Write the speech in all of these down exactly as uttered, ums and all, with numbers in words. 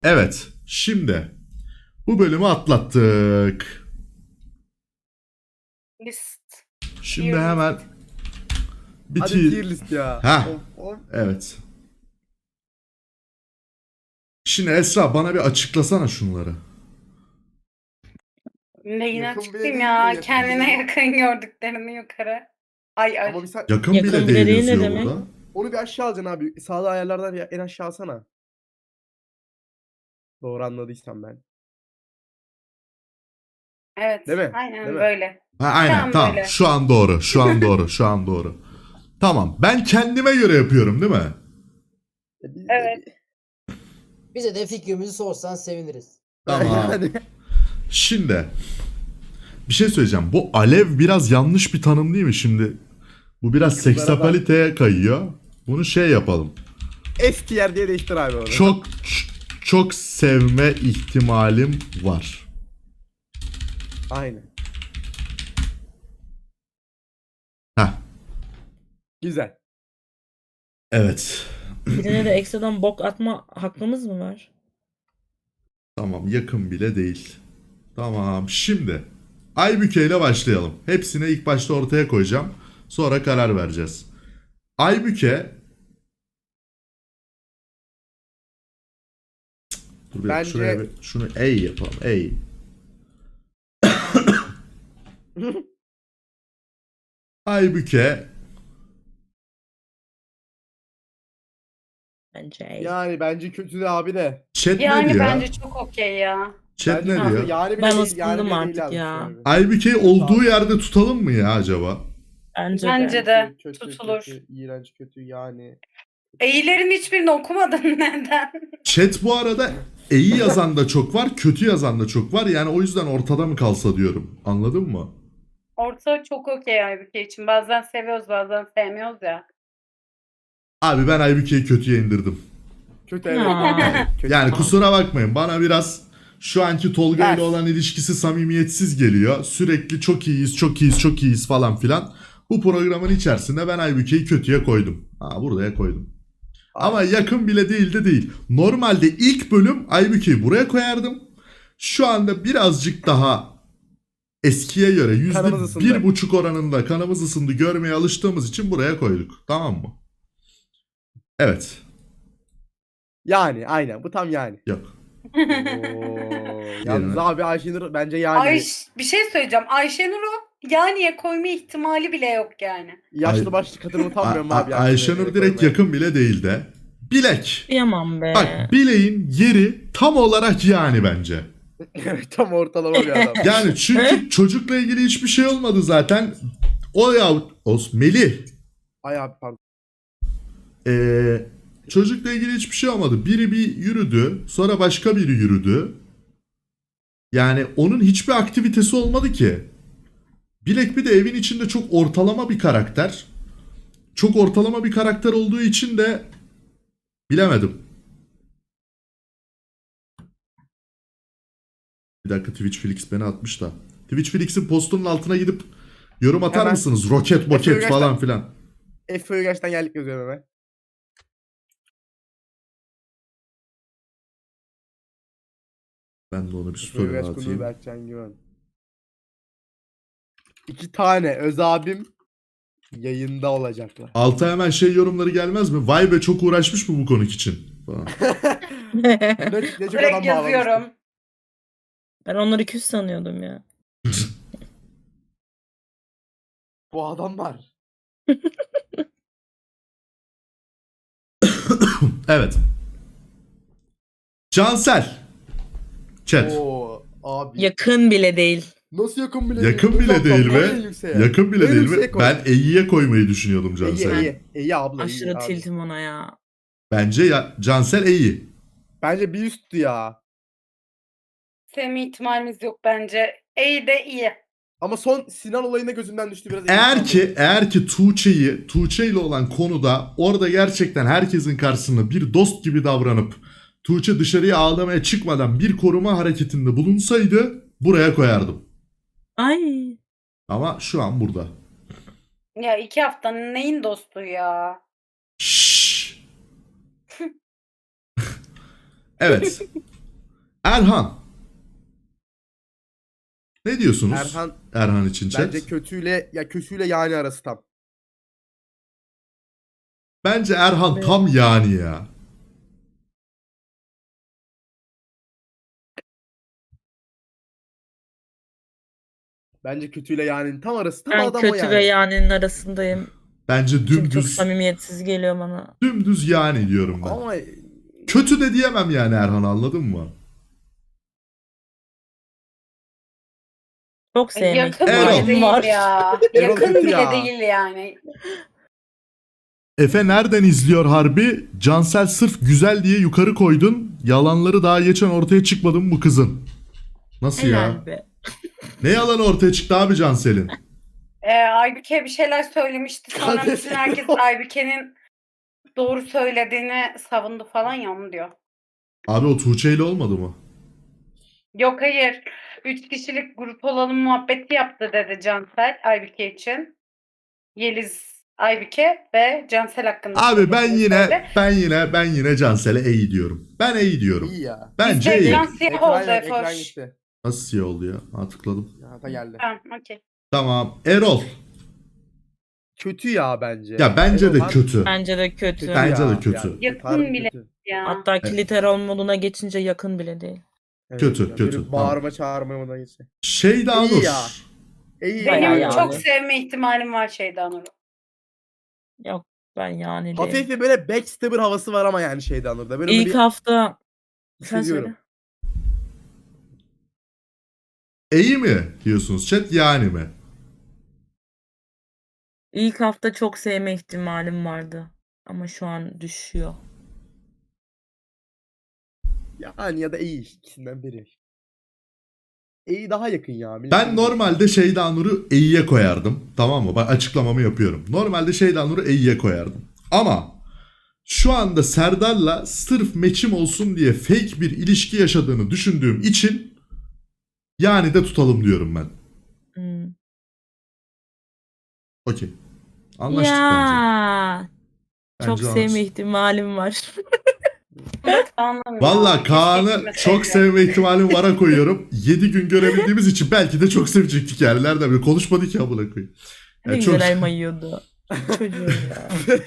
Evet. Şimdi bu bölümü atlattık. List. Şimdi Tier hemen list. Hadi biti. tier list ya. Ha. Of, of. Evet. Şimdi Esra bana bir açıklasana şunları. Neyini Yakın bile açıklayayım değil ya. mi? Yakın Kendine bile- yakın gördüklerini yukarı. Ay ay. Ama bir sen Yakın, Yakın bile bile değil değil ne yazıyor demek? burada. onu bir aşağı alacaksın abi. Sağda ayarlardan bir en aşağı alsana. Doğru anladıysam ben. Evet. Değil mi? Aynen Değil mi? böyle. Ha, aynen Tam tamam. böyle. Şu an doğru. Şu an doğru. Şu an doğru. Tamam. Ben kendime göre yapıyorum değil mi? E, biz de Evet. bir- Bize de fikrimizi sorsan seviniriz. Tamam. Yani. Şimdi bir şey söyleyeceğim. Bu alev biraz yanlış bir tanım değil mi şimdi? Bu biraz Kızlara seksapaliteye kayıyor. Bunu şey yapalım. S tier diye değiştir abi onu. Çok ç- çok sevme ihtimalim var. Aynen. Heh. Güzel. Evet. Birine de ekstradan bok atma hakkımız mı var? Tamam, yakın bile değil. Tamam, şimdi Aybüke ile başlayalım. Hepsini ilk başta ortaya koyacağım. Sonra karar vereceğiz. Aybüke. Dur bir dakika, Bence- şuraya bir, şunu ey yapalım. Ey. Aybüke Bence. Yani bence kötü de abi de. chat ne Yani diyor? bence çok okey ya. Chat Bence ne kötü. diyor? Yani bile Ben değil, yani ısındım bile artık değil ya. yazmış abi. Aybüke'yi olduğu yerde tutalım mı ya acaba? Bence, Bence de. de Kötü, tutulur. Kötü, iğrenç kötü yani. E'lerin hiçbirini okumadın neden? Chat bu arada iyi yazan da çok var, kötü yazan da çok var. Yani o yüzden ortada mı kalsa diyorum. Anladın mı? Orta çok okey Aybüke için. Bazen seviyoruz bazen sevmiyoruz ya. Abi ben Aybüke'yi kötüye indirdim. Kötü evet. Ya. Kötü. Yani kusura bakmayın, bana biraz şu anki Tolga ile Ters. olan ilişkisi samimiyetsiz geliyor. Sürekli çok iyiyiz, çok iyiyiz, çok iyiyiz falan filan. Bu programın içerisinde ben Aybüke'yi kötüye koydum. Ha, buraya koydum. Ama yakın bile değil de değil. Normalde ilk bölüm Aybüke'yi buraya koyardım. Şu anda birazcık daha eskiye göre yüzde Kanımız ısındı. bir buçuk oranında kanımız ısındı görmeye alıştığımız için buraya koyduk. Tamam mı? Evet. Yani aynen bu tam yani. Yok. Oo, yalnız Yerine. abi Ayşenur bence yani. Ayş, bir şey söyleyeceğim. Ayşenur'u yaniye koyma ihtimali bile yok yani. Yaşlı Ay- başlı kadını utanmıyorum A- abi. A- yani. Ayşenur direkt yakın bile değil de. Bilek. Kıyamam be. Bak bileğin yeri tam olarak yani bence. Evet, tam ortalama bir adam. Yani çünkü çocukla ilgili hiçbir şey olmadı zaten. O ya o Melih. Ay abi pardon. Ee, çocukla ilgili hiçbir şey olmadı. Biri bir yürüdü. Sonra başka biri yürüdü. Yani onun hiçbir aktivitesi olmadı ki. Bilek bir de evin içinde çok ortalama bir karakter. Çok ortalama bir karakter olduğu için de bilemedim. Bir dakika, Twitch Felix beni atmış da. Twitch Felix'in postunun altına gidip yorum atar Hemen. mısınız? Roket moket Efe falan Göçten- filan. Efe'ye gerçekten geldik yazıyorum hemen. Ben de onu bir Efe'ye story gerçekten atayım. Berkcan Güven. İki tane öz abim yayında olacaklar. Alta hemen şey yorumları gelmez mi? Vay be çok uğraşmış mı bu konuk için? Falan. Ne, ne çok adam Direkt bağlamıştır. yazıyorum. Ben onları küs sanıyordum ya. Bu adam var. Evet. Cansel. Chat. Oo abi. Yakın bile değil. Nasıl yakın bile Yakın değil? bile Uzaktan değil koy mi? en yükseğe. Yakın bile En değil yükseğe mi? koy. Ben E'ye koymayı düşünüyordum İyi Cansel'i. iyi. İyi abla iyi Aşırı abi. tiltim ona ya. Bence ya, Cansel E'yi. Bence bir üsttü ya. Sevme ihtimalimiz yok bence. E de iyi. Ama son Sinan olayında gözümden düştü biraz. Eğer ki eğer ki Tuğçe'yi Tuğçe ile olan konuda orada gerçekten herkesin karşısında bir dost gibi davranıp Tuğçe dışarıya ağlamaya çıkmadan bir koruma hareketinde bulunsaydı buraya koyardım. Ay. Ama şu an burada. Ya iki haftanın neyin dostu ya? Şşş. Evet. Erhan. Ne diyorsunuz? Erhan Erhan için chat. bence kötüyle ya kötüyle yani arası tam. Bence Erhan Evet. tam yani ya. Bence kötüyle yani tam arası tam Ben adam o kötü yani. ve yani'nin arasındayım. Bence Çünkü çok dümdüz samimiyetsiz geliyor bana. dümdüz yani diyorum ben. Ama Kötü de diyemem yani Erhan, anladın mı? Çok sevmek Yakın Erol. bile ihtimalim değil var. ya. Erol Yakın kötü bile ya. değil yani. Efe nereden izliyor harbi? Cansel sırf güzel diye yukarı koydun. Yalanları daha geçen ortaya çıkmadı mı bu kızın? Nasıl ya? Helal be. Ne yalanı ortaya çıktı abi Cansel'in? Ee, Aybüke bir şeyler söylemişti. Sonra Hadi. bütün herkes Aybüke'nin doğru söylediğini savundu falan ya, onu diyor. Abi o Tuğçe ile olmadı mı? Yok hayır. Üç kişilik grup olalım muhabbeti yaptı dedi Cansel Aybüke için. Yeliz, Aybüke ve Cansel hakkında. Abi ben söylediğini yine söyledi. ben yine ben yine Cansel'e iyi diyorum. Ben iyi diyorum. iyi ya. Bence Bizde iyi. can siyah Ekran oldu yok, ekran Efoş. gitti. Nasıl siyah oldu ya? Ha, tıkladım. Ya da geldi. Tamam, okey. Tamam. Erol. Kötü ya bence. Ya bence Erol de harbi kötü. Bence de kötü. Bence ya, de kötü. yani Yakın harbi bile. kötü. Ya. Hatta kliterol moduna geçince yakın bile değil. Evet, Kötü, ya, kötü, böyle tamam. Bağırma çağırma moduna geçti. Şeyda İyi Nur. ya. İyi Bayağı Benim ya. yani. çok sevme ihtimalim var Şeyda Nur'u. Yok ben yani değil. Hafif de böyle backstabber havası var ama yani şeyden orada. Ben onu İlk bir hafta sen hissediyorum. söyle. İyi mi diyorsunuz chat, yani mi? İlk hafta çok sevme ihtimalim vardı. Ama şu an düşüyor. Yani ya da iyi ikisinden biri. İyi daha yakın ya. Ben normalde Şeyda Nur'u E'ye koyardım. Tamam mı? Bak açıklamamı yapıyorum. Normalde Şeyda Nur'u E'ye koyardım. Ama şu anda Serdar'la sırf meçim olsun diye fake bir ilişki yaşadığını düşündüğüm için yani de tutalım diyorum ben. Hmm. Okey. Anlaştık bence. Ya çok Bence sevme anlaştık. ihtimalim var. Kaan'ım ya. Valla Keşke Kaan'ı gitmeseydi. çok sevme ihtimalim vara koyuyorum. yedi gün görebildiğimiz için belki de çok sevecektik yani. Nereden bir konuşmadık ya buna koyayım. Ne Yani çok, güzel elma yiyordu. Çocuğum ya.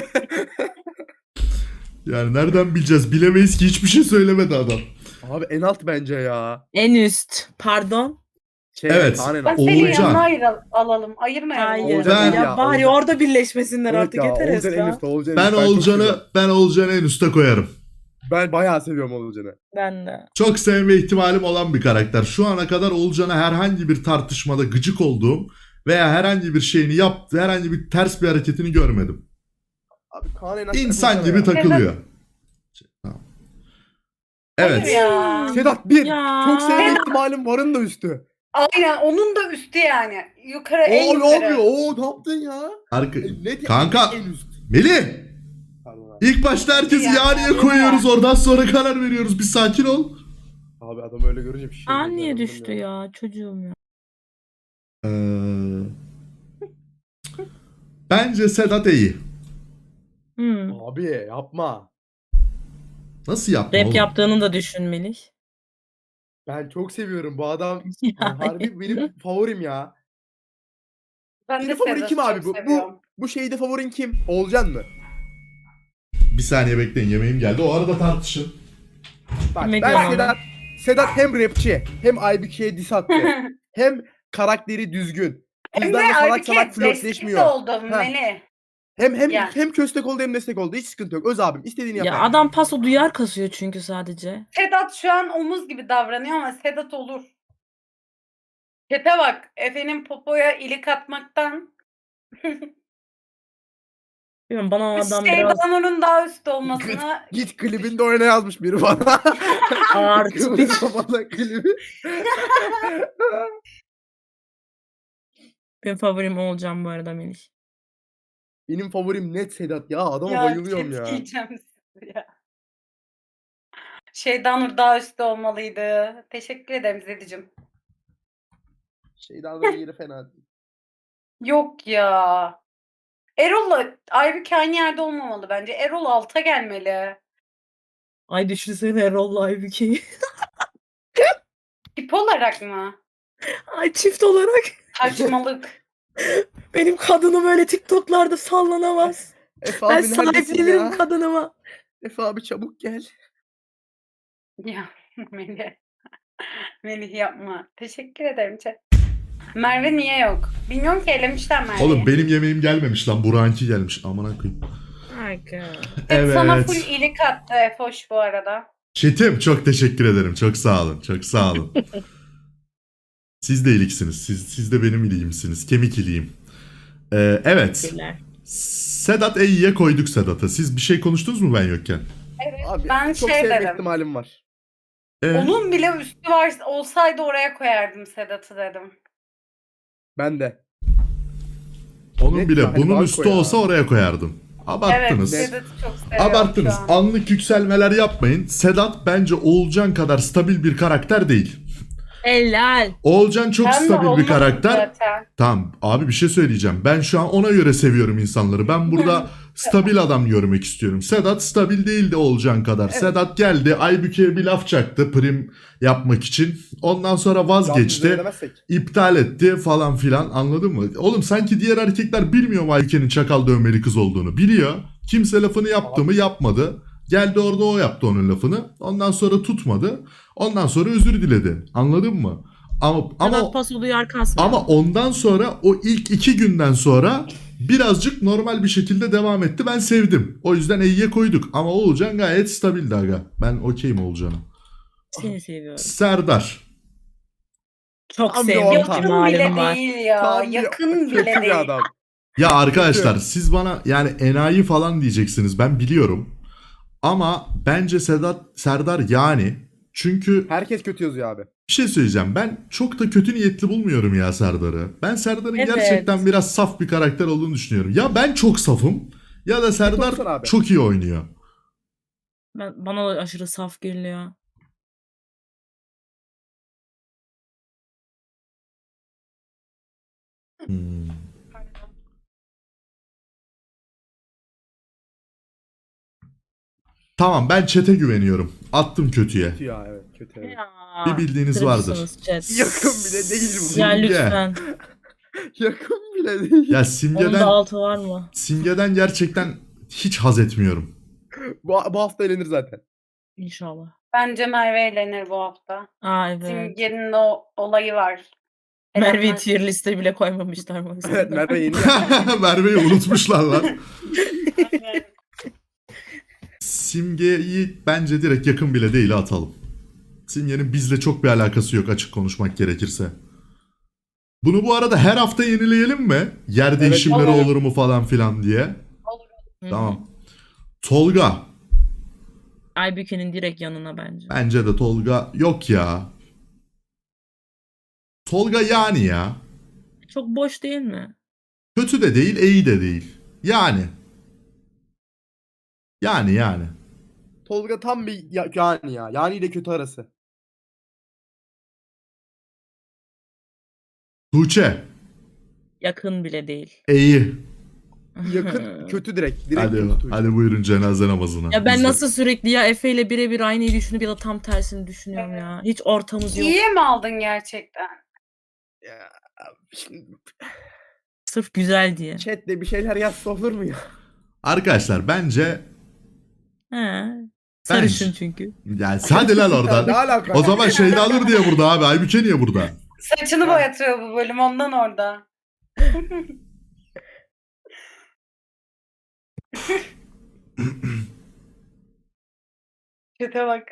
yani nereden bileceğiz? Bilemeyiz ki, hiçbir şey söylemedi adam. Abi en alt bence ya. En üst. Pardon. Şey, Evet. Kaan en Ben alt. seni Oğulcan. yanına ayır, alalım. Ayırmayalım. Hayır. Oğulcan Ben- ya ya, bari Oğulcan. orada birleşmesinler Evet artık ya, yeter Oğulcan en Esra. üstte, Oğulcan en Ben üstte. çok Oğulcan'ı seviyorum. ben Oğulcan'ı en üste koyarım. Ben bayağı seviyorum Oğulcan'ı. Ben de. Çok sevme ihtimalim olan bir karakter. Şu ana kadar Oğulcan'a herhangi bir tartışmada gıcık olduğum veya herhangi bir şeyini yaptığı, herhangi bir ters bir hareketini görmedim. Abi Kaan en altta İnsan Oğulcan'a gibi ya. takılıyor. Tamam. Evet. Hayır ya. Sedat bir. Ya. Çok sevme ihtimalim varın da üstü. Aynen, onun da üstü yani. Yukarı, en Oo ne yukarı. yapıyor? Oo ne yaptın ya? Arka... E, ne Kanka. en üst. Melih! Pardon abi. İlk başta herkesi Yani, yaniye yani. koyuyoruz. Oradan sonra karar veriyoruz. Bir sakin ol. Abi adam öyle görünce bir şey. Aa oluyor, niye anladın düştü mı? ya çocuğum ya. Ee... Bence Sedat iyi. Hmm. Abi yapma. Nasıl yapma Rap oğlum? yaptığını da düşün Melih. Ben çok seviyorum bu adam. Yani. Harbi benim favorim ya. Ben de Senin favorin Sedat'ı kim abi çok bu? Bu seviyorum. bu şeyde favorin kim? Olcan mı? Bir saniye bekleyin, yemeğim geldi. O arada tartışın. Bak Yemek ben zamanı. Sedat Sedat hem rapçi hem Aybüke'ye diss attı. Hem karakteri düzgün. Hem de Kızlarla salak Aybüke salak destek de flörtleşmiyor. oldu Melih. Hem hem Ya. hem köstek oldu hem destek oldu. Hiç sıkıntı yok. Öz abim istediğini Ya yapar. adam paso duyar kasıyor çünkü sadece. Sedat şu an omuz gibi davranıyor ama Sedat olur. Çete bak. Efe'nin popoya ilik atmaktan Bilmiyorum bana o adam Şeyda biraz Nur'un daha üstte olmasına Git klibinde oyna yazmış biri bana. Artı bir. Bana klibi. benim favorim olacağım bu arada Melih. Benim favorim net Sedat ya. Adama ya bayılıyorum chat ya. yiyeceğim sizi ya. Şeyda Nur daha üstte olmalıydı. Teşekkür ederim Zedicim. Şeyden yeri fena değil. Yok ya. Erol'la Aybüke aynı yerde olmamalı bence. Erol alta gelmeli. Ay düşünsene Erol'la Aybüke'yi. Tip olarak mı? Ay çift olarak Saçmalık. benim kadınım öyle TikTok'larda sallanamaz. Efe Ben abi neredesin sahiplenirim ya? kadınıma. Efe abi çabuk gel. Ya Melih. Melih yapma. Teşekkür ederim. chat. Merve niye yok? Bilmiyorum ki elemişler Merve'yi. Oğlum benim yemeğim gelmemiş lan. Burak'ınki gelmiş. Amına koyayım. Aga. Evet. Sana Evet. full iyilik attı Efoş bu arada. Çetim çok teşekkür ederim. Çok sağ olun. Çok sağ olun. Siz de iliksiniz. Siz, siz de benim iliğimsiniz. Kemik iliğim. Ee, evet. Teşekkürler. Sedat E'ye koyduk Sedat'a. Siz bir şey konuştunuz mu ben yokken? Evet. Abi ben çok şey sevme dedim. ihtimalim var. Ee, Onun bile üstü var olsaydı oraya koyardım Sedat'ı dedim. Ben de. onun net bile yani bunun banko üstü ya. olsa oraya koyardım. Evet Abarttınız. Sedat'ı çok seviyorum Abarttınız. şu an. Anlık yükselmeler yapmayın. Sedat bence Oğulcan kadar stabil bir karakter değil. Helal. Oğulcan çok Ben de stabil bir olmadım karakter. zaten. Tamam abi bir şey söyleyeceğim. Ben şu an ona göre seviyorum insanları. Ben burada stabil adam görmek istiyorum. Sedat stabil değildi Oğulcan kadar. Evet. Sedat geldi Aybüke'ye bir laf çaktı prim yapmak için. Ondan sonra vazgeçti. Yalnız demezsek. İptal etti falan filan, anladın mı? Oğlum sanki diğer erkekler bilmiyor mu Aybüke'nin çakal dövmeli kız olduğunu? Biliyor. Kimse lafını yaptı mı yapmadı. Geldi orada o yaptı onun lafını. Ondan sonra tutmadı. Ondan sonra özür diledi. Anladın mı? Ama ama Sedat Paso duyar kasmıyor. ama ondan sonra o ilk iki günden sonra birazcık normal bir şekilde devam etti. Ben sevdim. O yüzden E'ye koyduk. Ama Oğulcan gayet stabildi aga. Ben okeyim Oğulcan'a. Seni seviyorum. Serdar. Çok Tam bir sevdiğim orta. Yakın ihtimalim bile var. değil ya. Tam bir Yakın kötü bile bir değil. adam. Ya arkadaşlar siz bana yani enayi falan diyeceksiniz. Ben biliyorum. Ama bence Sedat Serdar yani. Çünkü Herkes kötü yazıyor abi. bir şey söyleyeceğim. Ben çok da kötü niyetli bulmuyorum ya Serdar'ı. Ben Serdar'ın Evet. gerçekten biraz saf bir karakter olduğunu düşünüyorum. Ya ben çok safım ya da Serdar olsun abi. çok iyi oynuyor. Ben, bana da aşırı saf geliyor. Hmm. Tamam ben chat'e güveniyorum. Attım kötüye. Kötü ya evet kötü. Evet. Ya, Bir bildiğiniz vardır. kırıcısınız chat. Yakın bile değil bu. Ya Simge. lütfen. Yakın bile değil. Ya Onun Simge'den da altı var mı? Simge'den gerçekten hiç haz etmiyorum. Bu, bu hafta elenir zaten. İnşallah. Bence Merve eğlenir bu hafta. Aa evet. Simge'nin o olayı var. Merve'yi Elenmez. tier liste bile koymamışlar mı? Evet Merve yeni ya. Merve'yi unutmuşlar lan. Aynen. Simge'yi bence direkt yakın bile değil atalım. Simge'nin bizle çok bir alakası yok açık konuşmak gerekirse. Bunu bu arada her hafta yenileyelim mi? Yer Evet, değişimleri olur. olur mu falan filan diye. Olur. Hı. Tamam. Tolga. Aybüke'nin direkt yanına bence. Bence de Tolga yok ya. Tolga yani ya. Çok boş değil mi? Kötü de değil, iyi de değil. Yani. Yani yani. Tolga tam bir ya, yani ya. Yani ile kötü arası. Tuğçe. Yakın bile değil. İyi. Yakın kötü direkt. Direkt Hadi, kötü. Tuğçe. hadi buyurun cenaze namazına. Ya ben Biz de- nasıl sürekli ya Efe ile birebir aynıyı düşünüp ya da tam tersini düşünüyorum ya. Hiç ortamız yok. İyiye mi aldın gerçekten? Ya, şimdi Sırf güzel diye. chatte bir şeyler yazsa olur mu ya? Arkadaşlar bence He. Sarışın Bence. çünkü. yani hadi lan Ne oradan. alaka? O zaman şeyde alır diye burada abi. Aybüke niye burada? Saçını Ha. boyatıyor bu bölüm ondan orada. Kötü bak.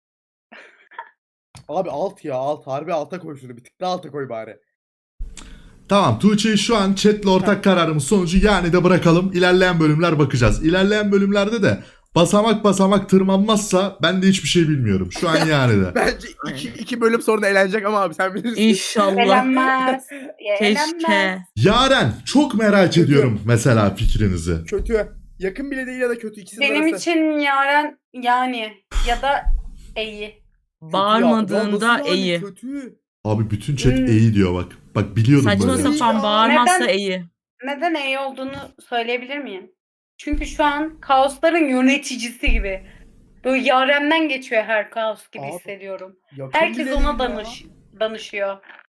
Abi alt ya alt. Harbi alta koy şunu. Bir tık daha alta koy bari. Tamam Tuğçe'yi şu an chatle ortak kararımız sonucu yani de bırakalım. İlerleyen bölümler bakacağız. İlerleyen bölümlerde de basamak basamak tırmanmazsa ben de hiçbir şey bilmiyorum. Şu an yani de. Bence iki, iki bölüm sonra eğlenecek ama abi sen bilirsin. İnşallah. Elenmez. Ya, elenmez. Keşke. Yaren çok merak ediyorum mesela fikrinizi. Kötü. Yakın bile değil ya da kötü. İkisinin Benim arası. için Yaren yani ya da iyi. Kötü ya. Ya Bağırmadığında nasıl yani iyi. Kötü. Abi bütün chat Hmm. iyi diyor bak. Bak biliyordum Saçma böyle. sapan Ya. bağırmazsa Neden? iyi. Neden iyi olduğunu söyleyebilir miyim? Çünkü şu an kaosların yöneticisi gibi. Böyle Yaren'den geçiyor her kaos gibi Abi, hissediyorum. Yakın Herkes bile ona değil ya. danış danışıyor.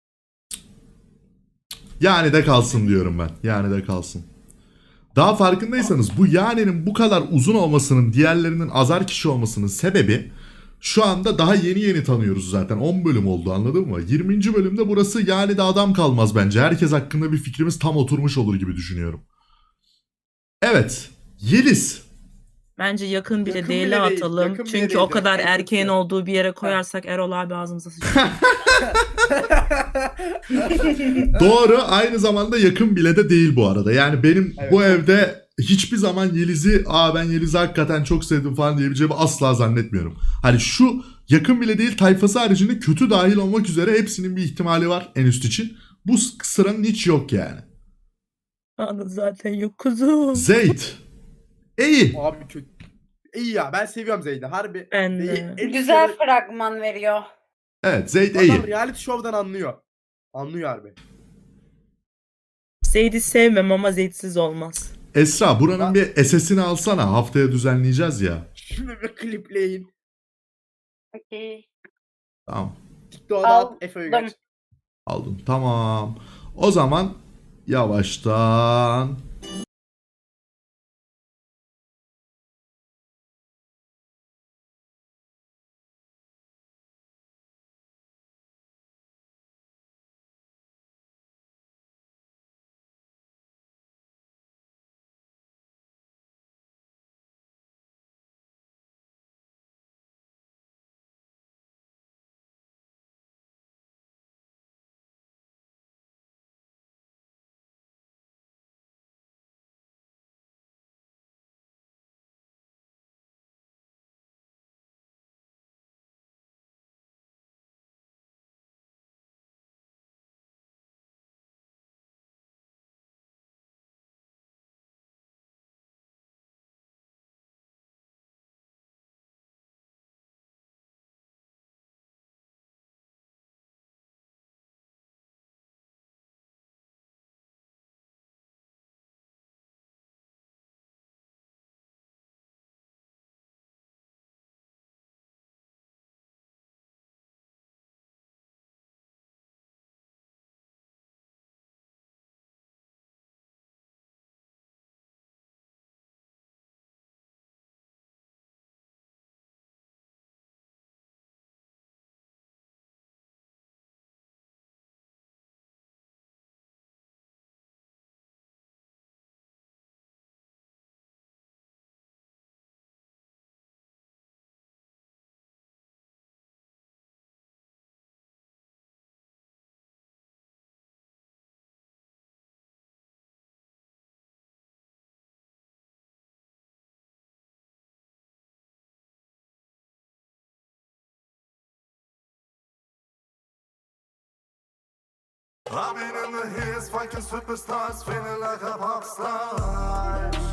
Yani de kalsın diyorum ben. Yani de kalsın. Daha farkındaysanız bu yanenin bu kadar uzun olmasının, diğerlerinin azar kişi olmasının sebebi şu anda daha yeni yeni tanıyoruz zaten. on bölüm oldu, anladın mı? yirminci bölümde burası yani de adam kalmaz bence. Herkes hakkında bir fikrimiz tam oturmuş olur gibi düşünüyorum. Evet. Yeliz. Bence yakın bile Yakın değil bile değil, atalım. yakın bile Çünkü değil o kadar direkt, en erkeğin kötüsü. olduğu bir yere koyarsak Erol abi ağzımıza sıçrar. Doğru, aynı zamanda yakın bile de değil bu arada. Yani benim Evet, bu çok evde hiçbir zaman Yeliz'i aa ben Yeliz'i hakikaten çok sevdim falan diyebileceğimi asla zannetmiyorum. Hani şu yakın bile değil tayfası haricinde kötü dahil olmak üzere hepsinin bir ihtimali var en üst için. Bu sıranın hiç yok yani. Anı zaten yok kuzum. Zeyd. İyi. Abi kötü. İyi ya, ben seviyorum Zeyd'i. Harbi. Ben Zeyd de. en Güzel sarı- fragman veriyor. Evet, Zeyd Adam iyi. reality show'dan anlıyor. Anlıyor harbi. Zeyd'i sevmem ama Zeyd'siz olmaz. Esra buranın Ben- bir S S'ini alsana. Haftaya düzenleyeceğiz ya. Şimdi bir klipleyin. Okey. Tamam. TikTok'da Aldım. at Efe Uygaç. Aldım. Tamam. O zaman yavaştan I've been in the hills, fucking superstars, feeling like a pop star.